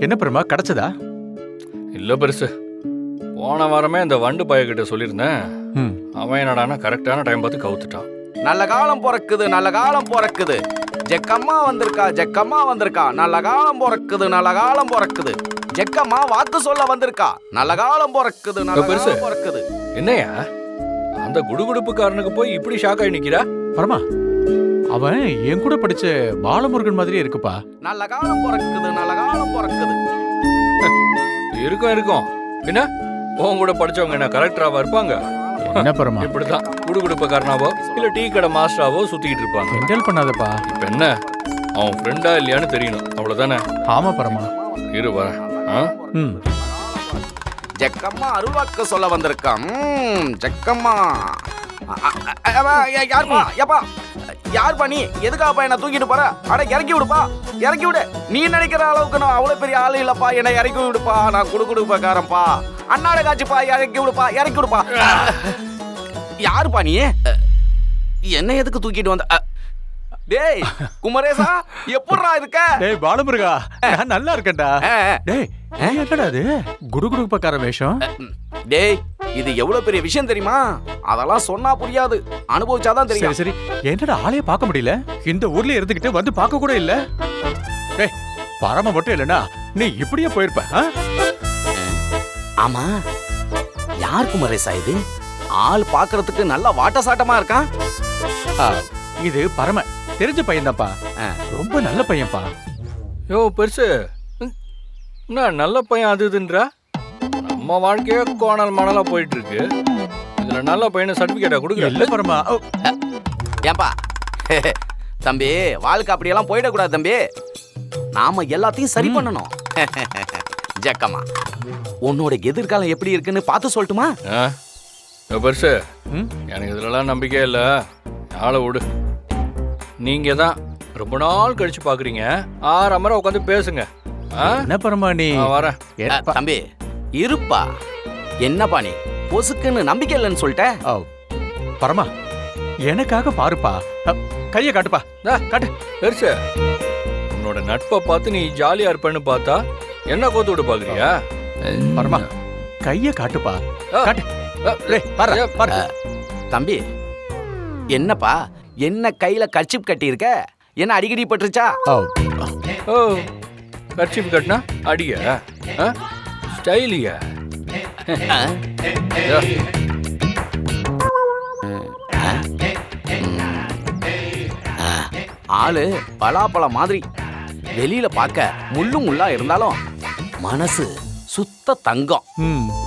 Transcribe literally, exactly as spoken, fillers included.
என்ன பெருமா கிடைச்சதா? இல்ல பெருசு, போன வாரமே இந்த வண்டு பையன்கிட்ட சொல்லியிருந்தேன். ம். அவன் என்னடானா கரெக்டான டைம் பார்த்து கவுத்துட்டான். நல்ல காலம் பிறக்குது, நல்ல காலம் பிறக்குது. ஜெக்கம்மா வந்திருக்கா, ஜெக்கம்மா வந்திருக்கா. நல்ல காலம் பிறக்குது, நல்ல காலம் பிறக்குது. ஜெக்கம்மா வாக்கு சொல்ல வந்திருக்கா. நல்ல காலம் பிறக்குது, நல்ல பெருசு. காலம் பிறக்குது. என்னையா அந்த குடுகுடுப்புக்காரனுக்கு போய் இப்படி ஷாக் ஆகி நிக்கிறா? பரமா, அவன் என் கூட படிச்ச பாலமுருகன் மாதிரியே இருக்குப்பா. நல்ல காலம் பிறக்குது, நல்ல காலம் பிறக்குது. இருக்கும் இருக்கும். என்ன உன் கூட படிச்சவங்க என்ன கலெக்டராவா இருப்பாங்க? என்ன பரமா, இப்படிதான் குடுகுடுப்புக்காரனாவோ இல்ல டீ கடை மாஸ்டராவோ சுத்திக்கிட்டு இருப்பாங்க. கிண்டல் பண்ணாதப்பா. இப்ப என்ன, அவன் ஃப்ரெண்டா இல்லையான்னு தெரியணும், அவ்வளவுதானே? ஆமா பரமா. இரு வரேன். ஆ? ம். ஜெக்கம்மா அருள்வாக்கு சொல்ல வந்திருக்கா. ம், ஜெக்கம்மா. அ, அ, அ, அ, யா- யாருப்பா ஏப்பா யாருப்பா நீ? எதுக்காப்பா என்ன தூக்கிட்டு போற? அட இறக்கி விடுப்பா, இறக்கி விடு. நீ நினைக்கிற அளவுக்கு நான் அவ்வளவு பெரிய ஆளு இல்லப்பா. என்னை இறக்கி விடுப்பா, நான் குடு குடுப்பக்காரன்ப்பா. அண்ணாட காட்சிப்பா, இறக்கி விடுப்பா, இறக்கி விடுப்பா. யாருப்பா நீ? என்ன எதுக்கு தூக்கிட்டு வந்த? அ, டேய் குமரேசா, எப்படிடா இருக்க? டேய் பாலமுருகா, நான் நல்லா இருக்கேன்டா. அ, அ, டேய் என்னடா அது குடுகுடுப்பக்கார வேஷம்? டேய் இது எவ்வளவு பெரிய விஷயம் தெரியுமா? அதெல்லாம் சொன்னா புரியாது, அனுபவிச்சாதான் சரி தெரியும். சரி, என்னடா ஆளைய பார்க்க முடியல? இந்த ஊர்ல இருந்துகிட்டு வந்து பார்க்க கூட இல்ல. டேய் பரம மட்டும் இல்லனா நீ இப்படியே போயிருப்ப. ஆ? ஆமா, யார் குமரேசா இது? ஆள் பாக்குறதுக்கு நல்லா வாட்ட சாட்டமா இருக்கான். ஆ, இது பரம தெரிஞ்ச பையன்தான்ப்பா. ஆ. ரொம்ப நல்ல பையன்ப்பா. யோ பெருசு, ம், என்ன நல்ல பையன் அது இதுன்றா? நம்ம வாழ்க்கையே கோணல் மணலா போயிட்டு இருக்கு. இதுல நல்ல பையனை சர்டிபிகேட்டா இல்ல கொடுக்கல. பரமா. ஓ, ஏன்பா தம்பி, வாழ்க்கை அப்படியெல்லாம் போயிடக்கூடாது தம்பி. நாம எல்லாத்தையும் சரி பண்ணணும். ஜக்கம்மா, உன்னோட எதிர்காலம் எப்படி இருக்குன்னு பார்த்து சொல்லட்டுமா? ஆ? யோ பெருசு, ம்? எனக்கு இதுலலாம் நம்பிக்கை இல்ல. ஆளை விடு. நீங்க தான் ரொம்ப நாள் கழிச்சு பாக்குறீங்க, ஆறு அமரம் உட்காந்து பேசுங்க. ஆ? என்ன பரமா நீ? நான் வரேன். அ, ஏப்பா. தம்பி இருப்பா. என்னப்பா நீ பொசுக்குன்னு நம்பிக்கை இல்லைன்னு சொல்லிட்ட? ஓ, பரமா எனக்காக பாருப்பா. அ, கைய காட்டுப்பா. டா, காட்டு. பெருசு, உன்னோட நட்பை பார்த்து நீ ஜாலியா இருப்பேன்னு பார்த்தா என்ன கோத்து விட பாக்குறியா? பரமா கைய காட்டுப்பா. ஆ. காட்டு. ஆ, டேய் பாரு ஏ, பாரு. தம்பி என்னப்பா, என்ன கையில கர்ச்சிப் கட்டி இருக்க? என்ன அடிக்கடி பட்டுருச்சா? ஓ, ஓ, கர்ச்சிப் கட்டினா அடியா? ஸ்டைலியா? ஆ? யோ, ஆ, ஆளு பலாப்பழம் மாதிரி. வெளியில பார்க்க முள்ளு முள்ளா இருந்தாலும் மனசு சுத்த தங்கம். ம்.